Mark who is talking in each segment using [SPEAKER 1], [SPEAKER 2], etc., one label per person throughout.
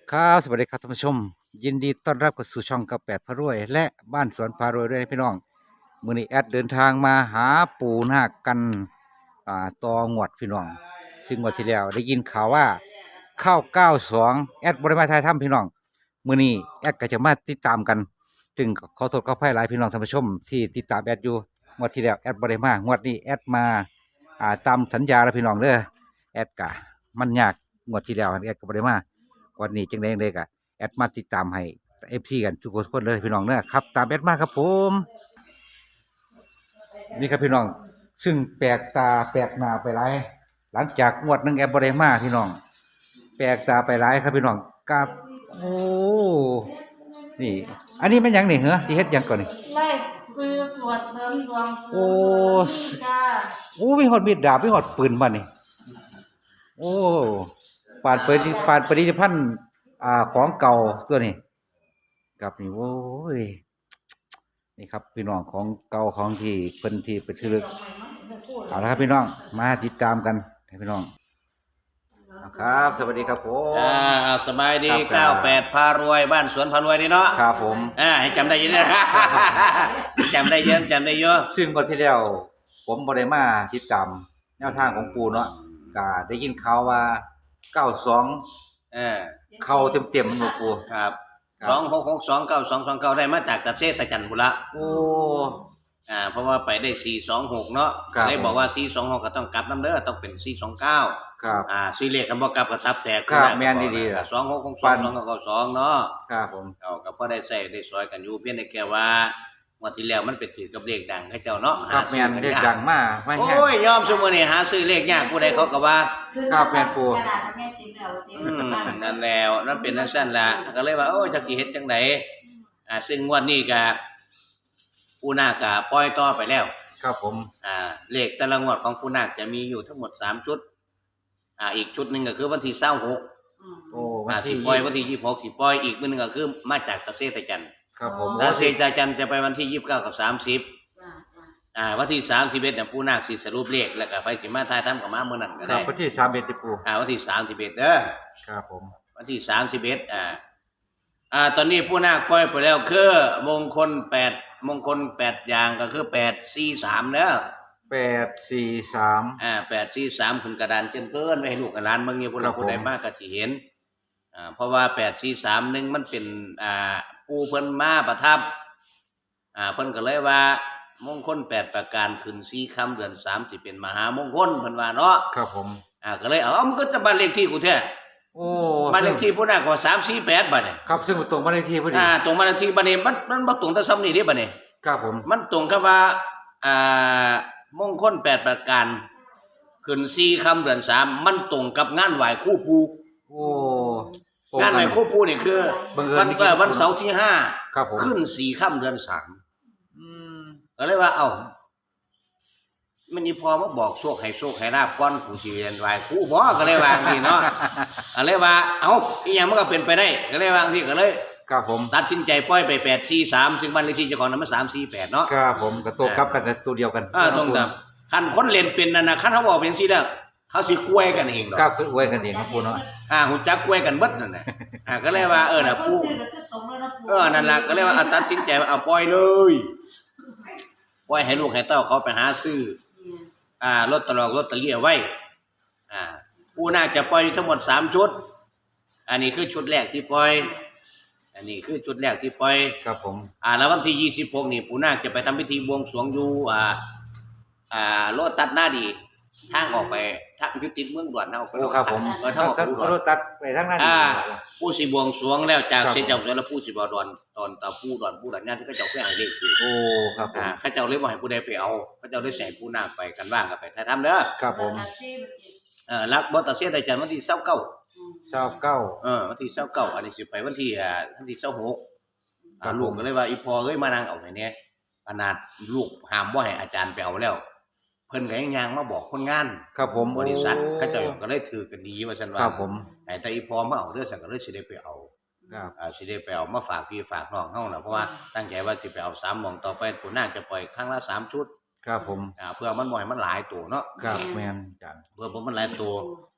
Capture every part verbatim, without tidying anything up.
[SPEAKER 1] ครับสวัสดีครับท่านผู้ชมยินดีต้อนรับเข้าสู่ช่องกระแปดพระรวย และบ้านสวนพารวยด้วยนะพี่น้องมื้อนี้แอดเดินทางมาหาปู่นาคกันอ่าตองวดพี่น้องซึ่งงวดที่แล้วได้ยินข่าวว่าเข้าเก้าสองแอดบริมาไทยถ้ำพี่น้องมื้อนี้แอดก็จะมาติดตามกันจึงขอโทษขออภัยหลายพี่น้องท่านผู้ชมที่ติดตามแอดอยู่งวดที่แล้วแอดบริมางวดนี้แอดมาอ่าตามสัญญาแล้วพี่น้องเด้อแอดกะมันยากงวดที่แล้วแอดก็บริมาวันนี้จังได๋จั่งใดกะ แอดมาติดตามให้เอฟซีกันทุกคนเลยพี่น้องเนอะครับตามแอดมาครับผมนี่ครับพี่น้องซึ่งแปลกตาแปลกหน้าไปหลายหลังจากงวดหนึงแอดบริมาพี่น้องแปลกตาไปหลายครับพี่น้องกับโอ้นี่อันนี้มันหยังนี่เหรอที่เฮ็ดหยังก่อนนี่
[SPEAKER 2] ไล่ซื้อสวดเสริมดวงเสริ
[SPEAKER 1] โอ้
[SPEAKER 2] มจ้า
[SPEAKER 1] โอ้มีหอดมีดดาบมีหอดปืนบ้านนี่โอ้ปานเปิดปานปฏิพันธ์อ่าของเก่าตัวนี้กับนี่โอ้ย นี่ครับพี่น้องของเก่าของที่เพิ่นที่เป็นชื่อลึกเอาละครับพี่น้องมาติดตามกันให้พี่น้องครับ สวัสดีครับผม
[SPEAKER 3] อ่าสบายดี
[SPEAKER 1] ครับ
[SPEAKER 3] เก้าแปดพารวยบ้านสวนพารวยนี่เนาะ
[SPEAKER 1] ครับผม
[SPEAKER 3] อ่าให้จำได้เยอะนะ จำได้เยอะจำได้เยอะ
[SPEAKER 1] ซึ่งก่อนที่แล้วผมบ่ได้มาติดตามแนวทางของปู่เนาะก็ได้ยินข่าวว่าเก้าสอง
[SPEAKER 3] เออ
[SPEAKER 1] เข้าเต็มๆมันบ่ปู่
[SPEAKER 3] ครับ
[SPEAKER 1] ครับ
[SPEAKER 3] สองหกหกสองเก้าสองสองเก้าได้มาจากตะเซตะจันบุระ
[SPEAKER 1] โอ้
[SPEAKER 3] อ่าเพราะว่าไปได้สี่สองหกเนาะ
[SPEAKER 1] ครับ
[SPEAKER 3] ได้บอกว่าสี่สองหกก็ต้องกลับน้ำเด้อต้องเป็นสี่สองเก้า
[SPEAKER 1] ครับ
[SPEAKER 3] อ่าสี่เลขกันบ่กลับก็ทับแตก
[SPEAKER 1] ครับแม่นดีๆล่ะ
[SPEAKER 3] สองหกหกสองสองเก้าสองเนาะ
[SPEAKER 1] ครับผม
[SPEAKER 3] เอาก็พอได้ใส่ได้ซอยกันอยู่เพียงแต่แค่ว่างวดที่แล้วมันเป็นถือกับเลขดังให้เจ้าเนาะ
[SPEAKER 1] ครับแม่น
[SPEAKER 3] หาซื้อ
[SPEAKER 1] เรียก
[SPEAKER 3] ยาก
[SPEAKER 1] ดังมาไม่แห้ง
[SPEAKER 3] โอ้ยยอมซุมื้อนี้หาซื้อเลขยากผู้ใดเขาก็ว่า
[SPEAKER 1] ครับแม่นปู่
[SPEAKER 2] กระดาษมันแง่ติดแล้วติด
[SPEAKER 3] อืมนั่นแล้วนั่นเป็นจังซั่นล่ะก็เลยว่าโอ้ยจักสิเฮ็ดจังไดอ่าซึ่งงวดนี้ก็ผู้นาคก็ปล่อยต่อไปแล้ว
[SPEAKER 1] ครับผม
[SPEAKER 3] อ่าเลขแต่ละงวดของผู้นาคจะมีอยู่ทั้งหมดสามชุดอ่าอีกชุดหนึงก็คือวันที่ยี่สิบหก
[SPEAKER 1] โอ้วั
[SPEAKER 3] อ่าน สิ
[SPEAKER 1] ที่
[SPEAKER 3] ปล่อยวันที่ยี่สิบหกสิปล่อยอีกมื้อหนึงก็คือมาจากตะเซตะจัน
[SPEAKER 1] ครับผม
[SPEAKER 3] ตะเซตะจันจะไปวันที่ยี่สิบเก้ากับสามสิบ
[SPEAKER 2] จ้าจ้า
[SPEAKER 3] อ่าวันที่สามสิบเอ็ดเนี่ยผู้นาคสิสรุปเลขแล้วก็ไปสิมาทายทำกับมามื้อนั้นก็
[SPEAKER 1] ครั
[SPEAKER 3] ได้
[SPEAKER 1] บวันที่สามเอ็ดติปู่
[SPEAKER 3] อ่าวันที่สามสิบเอ็ดเด้อ
[SPEAKER 1] ครับผม
[SPEAKER 3] วันที่สามสิบเอ็ดอ่า อ่า ตอนนี้ผู้นาคปล่อยไปแล้วคือมงคลแปดมงคลแปดอย่างก็คือแปดสี่สามเนอะ
[SPEAKER 1] แปดสี่สาม
[SPEAKER 3] อ่าแปดสี่สามขึ้นกระดานเกินเกินไว้ให้ลูกกับหลานเมืองนี้พวก
[SPEAKER 1] ครั
[SPEAKER 3] เรา
[SPEAKER 1] บผม
[SPEAKER 3] ผู้ใดมากก็สิเห็น อ่า เพราะว่าแปดสี่สามหนึ่งมันเป็น อ่าปูเพิ่นมาประทับ อ่า เพิ่นก็เลยว่า มงคลแปดประการขึ้นสี่ค่ำเดือนสามสิเป็นมหามงคลเพิ่นว่าเนาะ
[SPEAKER 1] ครับผม
[SPEAKER 3] อ่า ก็เลยเอาเอามันก็จะบ้านเลขที่กูแท้
[SPEAKER 1] โอ้
[SPEAKER 3] บ้านเลขที่ผู้นาคก็สามสี่แปดบัดนี้
[SPEAKER 1] ครับซึ่งตรงบ้านเลขที่พอดี
[SPEAKER 3] อ่าตรงบ้านเลขที่บัดนี้มันมันบ่ตรงแต่ซ้ำนี่เด้บัดนี้
[SPEAKER 1] ครับผม
[SPEAKER 3] มันตรงกับว่า อ่ามงคลแปดประการขึ้นสี่ค่ำเดือนสามมันตรงกับงานไหว้ครู่ปู
[SPEAKER 1] โอ้
[SPEAKER 3] งานไหว้ครู่ปูนี่คือ
[SPEAKER 1] บังเอิญ
[SPEAKER 3] วัน
[SPEAKER 1] ไม่คิด
[SPEAKER 3] วันเสาร์ที่ห้า
[SPEAKER 1] ครับผม
[SPEAKER 3] ขึ้นสี่ค่ำเดือนสาม
[SPEAKER 1] อืม
[SPEAKER 3] ก็เลยว่า เอ้ามันนี่พอมาบอกโชคให้โชคให้ลาบก่อนผู้สิเรียนไหว้ครู่บ่ก็เลยว่าอย่างนี้เนาะก็เลยว่า เอ้าอีหยังมันก็เป็นไปได้ ก็เลยว่าอย่างนี้ก็เลย
[SPEAKER 1] ครับผม
[SPEAKER 3] ตัดสินใจปล่อยไปแปดสี่สามซึ่งบ้านเลขที่เจ้าของนั้นมันสามสี่แปดเนาะ
[SPEAKER 1] ครับผมกับตัวกลับกันแต่ตัวเดียวกัน
[SPEAKER 3] อ่าตรงแบบคันคนเล่นเป็นนั่นนะคันเขาบอกเป็นสิแล้วเขาสิกล้วยกันเองดอก
[SPEAKER 1] ครับคือไว้กันเองครับปูเนาะ
[SPEAKER 3] อ่าหุ่นจักกล้วยกันเบิดนั่นน่ะอ่าก็เลยว่าเออน่ะปู่
[SPEAKER 2] ซื้อก็คือตรงแล้วนะปู่
[SPEAKER 3] เออนั่นล่ะก็เลยว่าอ่ะตัดสินใจว่าเอาปล่อยเลยปล่อยให้ลูกให้เต้าเขาไปหาซื้ออ่าลอตเตอรี่ลอตเตอรี่เอาไว้อ่าปู่น่าจะปล่อยทั้งหมดสามชุดอันนี้คือชุดแรกที่ปล่อยอันนี้คือชุดแรกที่ปล่อย
[SPEAKER 1] ครับผม
[SPEAKER 3] อ่าแล้ววันที่ยี่สิบหกนี่ปู่นาคจะไปทำพิธีบวงสรวงอยู่อ่าอ่าโลตัดหน้าดีทางออกไปทางยุติเมืองด่วนเฮา
[SPEAKER 1] โอ้ครับผม
[SPEAKER 3] เออทางออก
[SPEAKER 1] ท่าน
[SPEAKER 3] ไป
[SPEAKER 1] รถตัดไปทางนั้น
[SPEAKER 3] อ่าผู้สิบวงสรวงแล้วจาก
[SPEAKER 1] ครับ
[SPEAKER 3] เสร็จจากสวนแล้วผู้สิบ่ดอนตอนตาผู้ดอนผู้ดอนงานที่เขาเจ้าเคยให้เลขคือ
[SPEAKER 1] โอ้ครับผม
[SPEAKER 3] อ่าเขาเจ้าเลยบ่ให้ผู้ใดไปเอาเขาเจ้าได้ใส่ปู่นาคไปกันว่างกันไปถ่ายทำเด้อ
[SPEAKER 1] ครับผม
[SPEAKER 3] เออรักบ่ตัดเสียแต่จันทร์วันที่ยี่สิบเก้า
[SPEAKER 1] เศร้าเก้า
[SPEAKER 3] เออวันที่ยี่สิบเก้าอันนี้สิไปวันที่อ่าวันที่ยี่สิบหก
[SPEAKER 1] ครั
[SPEAKER 3] อ่า
[SPEAKER 1] บ
[SPEAKER 3] ลูกก็เลยว่าอีพอเอ้ยมานั่งเอาให้แน่ขนาดลูกห้ามบ่ให้อาจารย์ไปเอาแล้ว เพิ่นก็ยังย่างมาบอกคนงาน
[SPEAKER 1] ครับผม
[SPEAKER 3] บริษัท
[SPEAKER 1] โอ้
[SPEAKER 3] เขาเจ้าก็เลยถือกันดีว่าซั่นว่า
[SPEAKER 1] ครับผม
[SPEAKER 3] ไอ้แต่อีพอมาเอาเด้อซั่นก็เลยสิได้ไปเอา
[SPEAKER 1] ครับ
[SPEAKER 3] อ่าสิได้ไปเอามาฝากพี่ฝากน้องเฮาน่ะเพราะว่าตั้งใจว่าสิไปเอาสามหม่องต่อไปปู่นาคจะปล่อยครั้งละสามชุด
[SPEAKER 1] ครับผม
[SPEAKER 3] อ่าเพื่อมันบ่ให้มันหลายตัวเนาะ
[SPEAKER 1] ครับแมนจัน
[SPEAKER 3] เพื่อบ่มันหลายตัว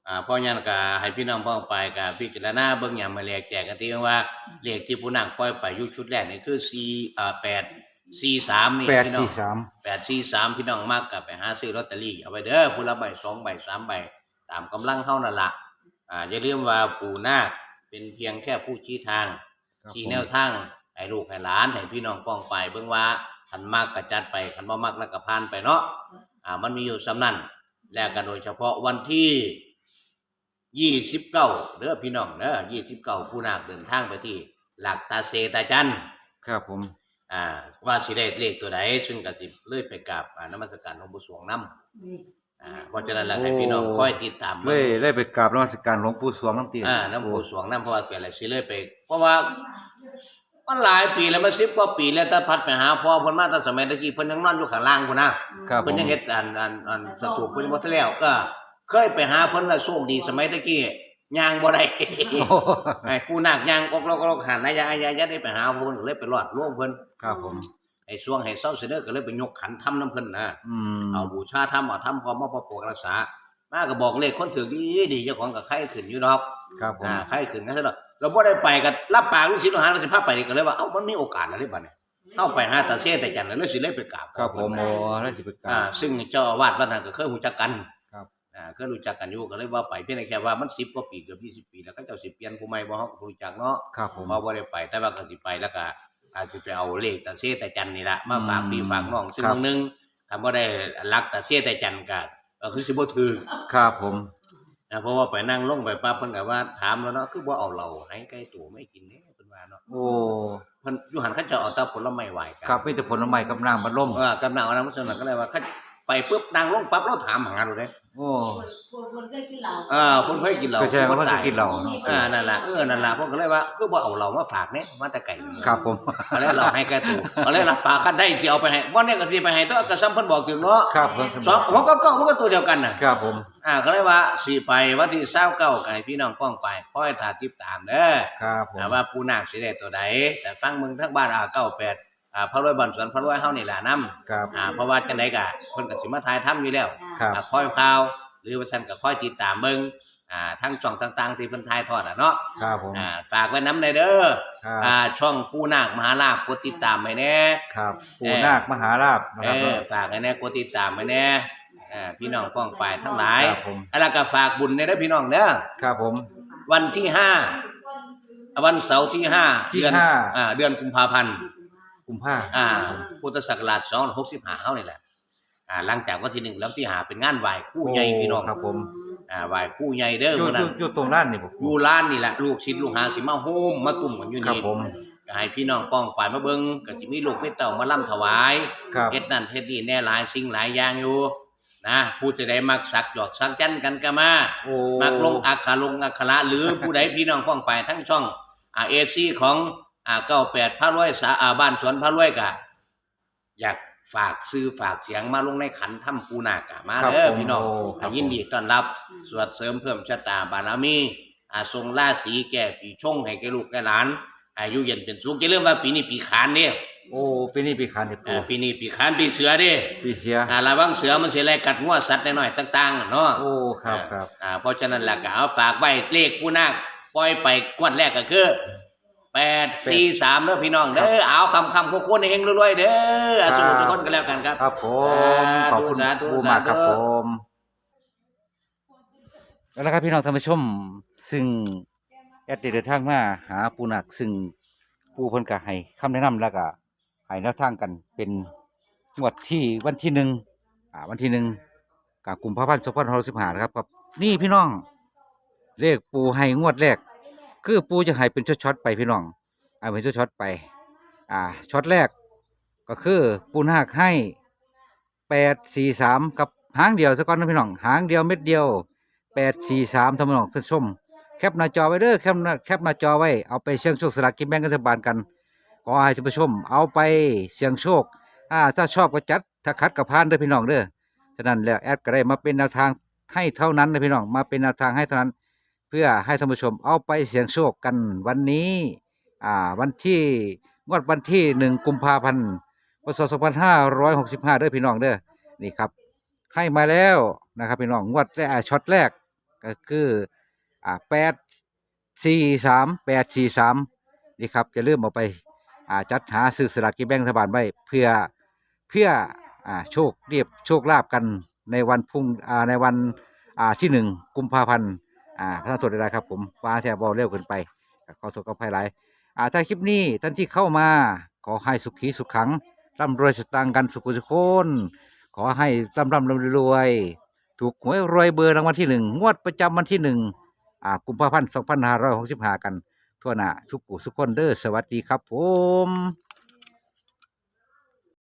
[SPEAKER 3] อ่าเพราะงั้นก็ให้พี่น้องพ้องไปก็พิจารณาเบิ่งหยังมาแลกแจกกันที่ว่าเลขที่ผู้นางปล่อยไปอยู่ชุดแรกนี่คือ4อ่าแปด สี่สามนี่
[SPEAKER 1] แปด
[SPEAKER 3] พี่น้อ
[SPEAKER 1] สี่
[SPEAKER 3] ง
[SPEAKER 1] สาม
[SPEAKER 3] แปด สี่ สามพี่น้องมักก็ไปหาซื้อลอตเตอรี่เอาไว้เด้อผู้ละใบสองใบสามใบตามกำลังเฮานั่นล่ะอ่าอย่าลืมว่าปู่นาคเป็นเพียงแค่ผู้ชี้ทาง
[SPEAKER 1] ครับ
[SPEAKER 3] ชี้
[SPEAKER 1] ผม
[SPEAKER 3] แนวทางให้ลูกให้หลานให้พี่น้องป้องไปเบิ่งว่าคันมักก็จัดไปคันบ่มักแล้วก็ผ่านไปเนาะอ่ามันมีอยู่ส่ำนั้นแล้วก็โดยเฉพาะวันที่ยี่สิบเก้าเด้อพี่น้องเด้อยี่สิบเก้าผู้นาคเดินทางไปที่หลักตาเซตาจัน
[SPEAKER 1] ครับผม
[SPEAKER 3] อ่าว่าสิได้เลขตัวใดซึ่งก็สิเลยไปกราบอ่านมัสการหลวงปู่สวงนำ
[SPEAKER 2] นี่
[SPEAKER 3] อ่าเพราะฉะนั้นแล้วให้พี่น้องคอยติดตาม
[SPEAKER 1] เล
[SPEAKER 3] เบิ่
[SPEAKER 1] ย
[SPEAKER 3] ง
[SPEAKER 1] เลยไปกราบนมัสการหลวงปู่สวงน้ำตี
[SPEAKER 3] อ่าน้ำปู่สวงนำเพราะว่าเป็นอะไรสิเลยไป เพราะว่ามันหลายปีแล้วมันสิบกว่าปีแล้วแต่พัดไปหาพ่อเพิ่นมาแต่สมัยตะกี้เพิ่นยังนอนอยู่ข้างล่างพุ่นนะครับ
[SPEAKER 1] ผ
[SPEAKER 3] เพิ่น
[SPEAKER 1] ม
[SPEAKER 3] ยังเฮ็ดอันอันอันสถูปเพิ่นยังบ่ทันแล้วก็เคยไปหาเพิ่นแล้วโชคดีสมัยตะกี้ย่างบ่ได้
[SPEAKER 1] โอ้
[SPEAKER 3] ไอ้ผู้นาคย่างออกลอกๆหันนายายายาได้ไปหาเพิ่นก็เลยไปรอดร่วงเพิ่น
[SPEAKER 1] ครับผม
[SPEAKER 3] ไอ้ช่วงให้เศร้าเสนอก็เลยไปยกขันทำน้ำเพิ่นนะ
[SPEAKER 1] อืม
[SPEAKER 3] เอาบูชาทำเอาทำพร้อมมาประกอบรักษามาก็บอกเลขคนถือดีดีเจ้าของกับไข้ขึ้นอยู่ดอก
[SPEAKER 1] ครับผม
[SPEAKER 3] อ่าไข้ขึ้นก็ซะดอกเราบ่ได้ไปก็รับปากลูกศิษย์ลูกหาเราสิพาไปนี่ก็เลยว่าเอ้ามันมีโอกาสอะไรบัดนี้เข้าไปหาตาเซ่แต่จันทร์แล้วสิเลยไปกราบ
[SPEAKER 1] ครับผมโอ้แล้วสิไปกรา
[SPEAKER 3] อ่า
[SPEAKER 1] บ
[SPEAKER 3] ซึ่งเจ้าอาวาสวัดนั้นก็เคยรู้จักกัน
[SPEAKER 1] ครับ
[SPEAKER 3] อ่าเคยรู้จักกันอยู่ก็เลยว่าไปเพียงแต่แค่ว่ามันสิบกว่าปีเกือบยี่สิบปีแล้วก็เจ้าสิเปลี่ยนผู้ใหม่บ่เฮาก็บ่รู้จักเนาะ
[SPEAKER 1] ครับผม
[SPEAKER 3] มาบ่ได้ไปแต่ว่าก็สิไปแล้วก็อาจสิไปเอาเลขตาเซแต่จันนี่ล่ะมาฝาก
[SPEAKER 1] อืม
[SPEAKER 3] พี่ฝากน้องซึ่ง
[SPEAKER 1] ครับ
[SPEAKER 3] บางนึงถ้าบ่ได้รักตาเซแต่จันก็ก็คือสิบ่ถือ
[SPEAKER 1] ครับผม
[SPEAKER 3] นะเพราะว่าไปนั่งลงไปปั๊บเพิ่นก็ว่าถามแล้วเนาะคือบ่เอาเหล้าให้ไก่ตู่ไม่กินเด้เพิ่นว่าเนาะ
[SPEAKER 1] โอ้
[SPEAKER 3] เพิ่นอยู่หันเขาเจะเอาแต่ผลไม้ไหว้กัน
[SPEAKER 1] ครับมีแต่ผลไม้กับน้ำบัดลม
[SPEAKER 3] เออกำลังเอาน้ำมันก็เลยว่าเขาไปปุ๊บนั่งลงปั๊บเราถามหาดูเด้
[SPEAKER 1] โอ้
[SPEAKER 2] คนคนเคยกินเหล้า
[SPEAKER 3] อ่าเพิ่นเคยกินเหล้า
[SPEAKER 1] ก็แสดงว่าเพิ่นก็กินเหล้า
[SPEAKER 3] อ่านั่นล่ะเออนั่นล่ะเพิ่นก็เลยว่าคือบ่เอาเหล้ามาฝากเนี่ยมาแต่ไก่
[SPEAKER 1] ครับผม
[SPEAKER 3] เอาแล้วเราให้แกตู่เอาแล้วรับปากคันได้สิเอาไปให้บ่เนี่ยก็สิไปให้ตัวก็ซ้ำเพิ่นบอกถึงเนาะ
[SPEAKER 1] ครับผม
[SPEAKER 3] สองหกกับเก้ามันก็ตัวเดียวกันน่ะ
[SPEAKER 1] ครับผม
[SPEAKER 3] อ่าก็เลยว่าสิไปวันที่ยี่สิบเก้าก็ให้พี่น้องป้องไปคอยถ้าติดตามเด้อ
[SPEAKER 1] ครับผม
[SPEAKER 3] อ่าว่าปู่นาคสิได้ตัวใดแต่ฟังมึงทั้งบ้านอ่าเก้าแปดอ่าพระรวยบ่อนสวนพระรวยเฮานี่ล่ะนำ
[SPEAKER 1] ครับ
[SPEAKER 3] อ่าเพราะว่าจังไดก็เพิ่นก็สิมาถ่ายทำอยู่แล้ว
[SPEAKER 1] ครับ
[SPEAKER 3] อ่าคอยข่าว หรือว่าฉันก็คอยติดตามเบิ่งอ่าทั้งช่องต่างๆที่เพิ่นถ่ายทอดอ่ะเนาะ
[SPEAKER 1] ครับผม
[SPEAKER 3] อ่าฝากไว้นำได้เด้อ
[SPEAKER 1] ครับ
[SPEAKER 3] อ่าช่องปู่นาคมหาลาภกดติดตามไว้แน่
[SPEAKER 1] ครับปู่นาคมหาลาภนะ
[SPEAKER 3] เอ
[SPEAKER 1] ครับ
[SPEAKER 3] อฝากให้แน่กดติดตามไว้แน่อ่าพี่น้องป้องไปทั้งหลาย
[SPEAKER 1] ครับผม
[SPEAKER 3] แล้วก็ฝากบุญในเด้อพี่น้องเด้อ
[SPEAKER 1] ครับผม
[SPEAKER 3] วันที่ห้าวันเสาร์ที่ห้า
[SPEAKER 1] ที่
[SPEAKER 3] เดือน
[SPEAKER 1] ห้า
[SPEAKER 3] อ่าเดือนกุมภาพันธ์
[SPEAKER 1] กุมภา
[SPEAKER 3] อ่าพุทธศักราชสองพันหกสิบห้าเฮานี่แหละอ่าหลังจากวันที่หนึ่งแล้วที่หาเป็นงานไหว้ครู่ใหญ่พี่น้อง
[SPEAKER 1] ครับผม
[SPEAKER 3] อ่าไหว้ครู่ใหญ่เด้อ
[SPEAKER 1] อยู่
[SPEAKER 3] มื้อ
[SPEAKER 1] อ
[SPEAKER 3] นั้
[SPEAKER 1] ยู่
[SPEAKER 3] น
[SPEAKER 1] อยู่ตรงร้านนี่บ่
[SPEAKER 3] อยู่ร้านนี่แหละลูกศิษย์ลูกหาสิมาโฮมมาตุ่มกันอยู่
[SPEAKER 1] ครับ
[SPEAKER 3] นี่
[SPEAKER 1] ผม
[SPEAKER 3] ก็ให้พี่น้องป้องไปมาเบิ่งก็สิมีลูกมีเต้ามาล่ำถวาย
[SPEAKER 1] ครับ
[SPEAKER 3] เฮ็ดนั่นเฮ็ดนี่แน่หลายสิ่งหลายอย่างอยู่นะผู้จะได้มักสักหยอกสักจันกันก็มา
[SPEAKER 1] โอ้
[SPEAKER 3] มักลงอักขระลงอักขระหรือผู้ใดพี่น้องป้องไปทั้งช่องอ่า เอ ซี ของอ่าเก้าแปดพระรวยสาอ่าบ้านสวนพระรวยก็อยากฝากซื้อฝากเสียงมาลงในขันถ้ำปูนาคอะมา
[SPEAKER 1] ครับ
[SPEAKER 3] เด้อ
[SPEAKER 1] ผม
[SPEAKER 3] พี่น้อง
[SPEAKER 1] โครั
[SPEAKER 3] อ่า
[SPEAKER 1] บ
[SPEAKER 3] ยินดีต้อนรับสวดเสริมเพิ่มชะตาบารมีอ่าทรงราศีแก่ปีชงให้แก่ลูกแก่หลานอายุเย็นเป็นสุขอย่าลืมว่าปีนี้ปีขานเด้
[SPEAKER 1] โอ้ปีนี้ปีขานนี่
[SPEAKER 3] อ่า
[SPEAKER 1] ปู่
[SPEAKER 3] ปีนี้ปีขานปีเสือเด้
[SPEAKER 1] ปีเสีย
[SPEAKER 3] อ่าระวังเสือมันสิไล่กัดงัวสัตว์น้อยๆต่างๆเนาะ
[SPEAKER 1] โอ้ครับครับ
[SPEAKER 3] อ่าเพราะฉะนั้นล่ะก็เอาฝากไว้เลขปูนาคปล่อยไปงวดแรกก็คือแปด สี่ สามเด้อพี่น้องเด้อเอาคำคำๆโค้งๆเฮงรวยๆเด้ออาสู้ทุกคนกันแล้วกันครับ
[SPEAKER 1] ครับผมขอบคุณ
[SPEAKER 3] สาธุ
[SPEAKER 1] ปู่มากครับ
[SPEAKER 3] สาธุ
[SPEAKER 1] ผมแล้วนะครับพี่น้องท่านผู้ชม ซึ่งแอดได้เดินทางมาหาปู่นาคซึ่งปู่เพิ่นก็ให้คำแนะนำแล้วก็ให้แนวทางกันเป็นงวดที่วันที่หนึ่งอ่าวันที่หนึ่งกับกุมภาพันธ์สองพันห้าร้อยสิบห้านะครับครับนี่พี่น้อง เลขปู่ให้งวดแรก คือปู่จะให้เป็นช็อตๆไปพี่น้องเอาเป็นช็อตๆไป อ่าช็อตแรกก็คือปู่นาคให้แปดสี่สามกับหางเดียวซะก่อนนะพี่น้องหางเดียวเม็ดเดียวแปดสี่สามท่านพี่น้องท่านผู้ชมแคปหน้าจอไว้เด้อแคปหน้าแคปหน้าจอไว้เอาไปเสี่ยงโชคสลากกินแบ่งรัฐบาลกันขอให้ท่านผู้ชม เอาไปเสี่ยงโชคอ่าถ้าชอบก็จัดถ้าคัดก็ผ่านเด้อพี่น้องเด้อฉะนั้นแล้วแอดก็ได้มาเป็นแนวทางให้เท่านั้นนะพี่น้องมาเป็นแนวทางให้เท่านั้น เพื่อให้ท่านผู้ชมเอาไปเสี่ยงโชคกันวันนี้อ่าวันที่งวดวันที่หนึ่งกุมภาพันธ์พศสองพันห้าร้อยหกสิบห้าเด้อพี่น้องเด้อนี่ครับ ให้มาแล้วนะครับพี่น้องงวดแรกอ่าช็อตแรกก็คืออ่าแปดสี่สามแปดสี่สามนี่ครับจะเริ่าลืมเอาไปอ่าจัดหาซื้อสลากกินแบ่งรัฐบาลไว้เพื่อเพื่ออ่าโชคเรียบโชคลาภกันในวันพรุ่งอ่าในวันอ่าที่หนึ่งกุมภาพันธ์อ่าพระท่านสวดได้ครับผมว่าแทบเบาเร็วเกินไปขอโทษขออภัยหลายอ่าถ้าคลิปนี้ท่านที่เข้ามาขอให้สุขีสุขขังร่ำรวยสตางค์กันสุขุสุขคนขอให้ร่ำร่ำรวยๆถูกหวยรวยเบอร์รางวัลที่หนึ่งงวดประจำวันที่หนึ่งอ่ากุมภาพันธ์สองพันห้าร้อยหกสิบห้ากันทั่วหน้าสุขุสุขคนเด้อสวัสดีครับผม